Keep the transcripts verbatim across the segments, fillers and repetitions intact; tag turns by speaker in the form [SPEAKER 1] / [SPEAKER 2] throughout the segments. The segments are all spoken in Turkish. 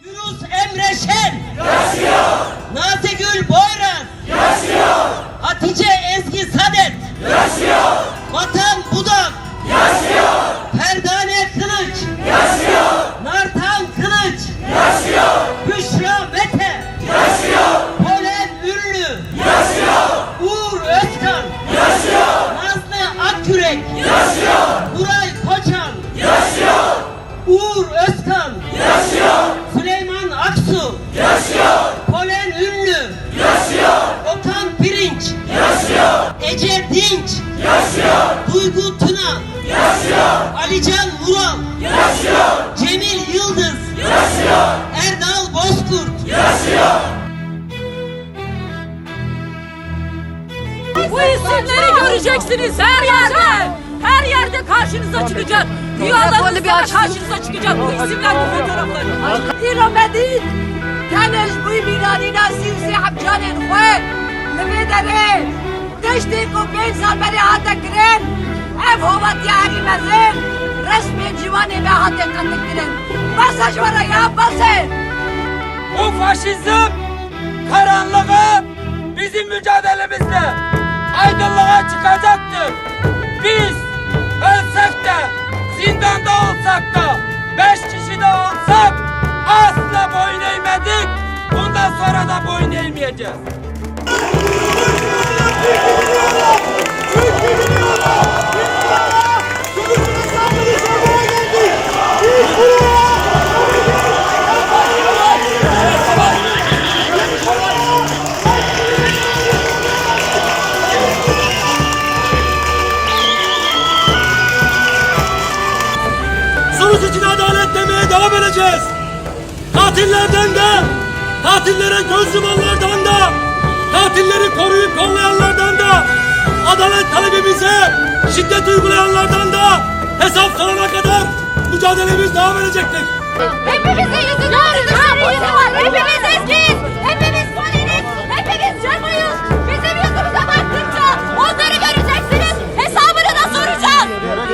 [SPEAKER 1] Yunus Emre Şen yaşıyor. Nazigül Boyraz yaşıyor. Hatice Ezgi Sadet yaşıyor. Vatan Budak yaşıyor. Ferdane Kılıç yaşıyor. Nartan Kılıç yaşıyor. Büşra Mete yaşıyor. Polen Ünlü yaşıyor. Uğur Özkan yaşıyor. Nazlı Akkürek yaşıyor. Nuray Koçan yaşıyor. Uğur Özkan yaşıyor. Süleyman Aksu yaşıyor. Polen Ünlü yaşıyor. Okan Pirinç yaşıyor. Ece Dinç yaşıyor. Duygu Tuna yaşıyor. Alican Vural yaşıyor. Cemil Yıldız yaşıyor. Erdal Bozkurt yaşıyor.
[SPEAKER 2] Bu isimleri göreceksiniz her yerde. Her yerde karşınıza çıkacak. Rüyalarınızda karşınıza çıkacak bu isimler, bu fotoğraflar.
[SPEAKER 3] İromedit, tanış bu miradina sivsi habcanin khoy. Nvedere, teşti ko beş sal beri hata kiren. Ev hovat yari mezin. Resmi civani ve hata katı kiren. Basaj vara ya basaj.
[SPEAKER 4] O faşizm karanlığı bizim mücadelemizle aydınlığa çıkacaktır. Biz ölsek de, zindanda olsak da, beş kişi de olsak asla boyun eğmedik. Bundan sonra da boyun eğmeyeceğiz.
[SPEAKER 5] Sonuç için adalet demeye devam edeceğiz. Katillerden de, katillere göz yumanlardan da, katilleri koruyup kollayanlardan da, adalet talebimize şiddet uygulayanlardan da hesap sorana kadar mücadelemiz devam edecektir.
[SPEAKER 2] Hepimizin yüzünde tarihi var. Hepimiz eskiyiz. Hepimiz poliniz. Hepimiz canlıyız. Bizim yüzümüze baktıkça onları göreceksiniz. Hesabını da soracağız.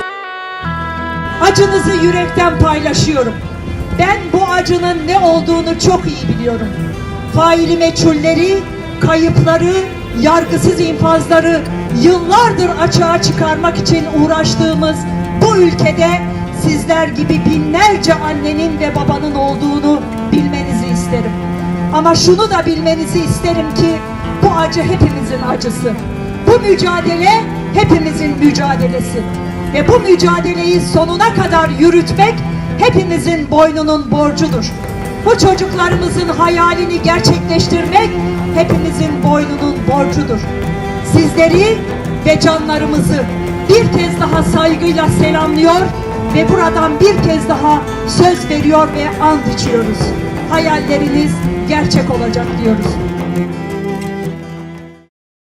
[SPEAKER 6] Acınızı yürekten paylaşıyorum. Ben bu acının ne olduğunu çok iyi biliyorum. Faili meçhulleri, kayıpları, yargısız infazları yıllardır açığa çıkarmak için uğraştığımız bu ülkede sizler gibi binlerce annenin ve babanın olduğunu bilmenizi isterim. Ama şunu da bilmenizi isterim ki bu acı hepimizin acısı. Bu mücadele hepimizin mücadelesi. Ve bu mücadeleyi sonuna kadar yürütmek hepimizin boynunun borcudur. Bu çocuklarımızın hayalini gerçekleştirmek hepimizin boynunun borcudur. Sizleri ve canlarımızı bir kez daha saygıyla selamlıyor ve buradan bir kez daha söz veriyor ve ant içiyoruz. Hayalleriniz gerçek olacak diyoruz.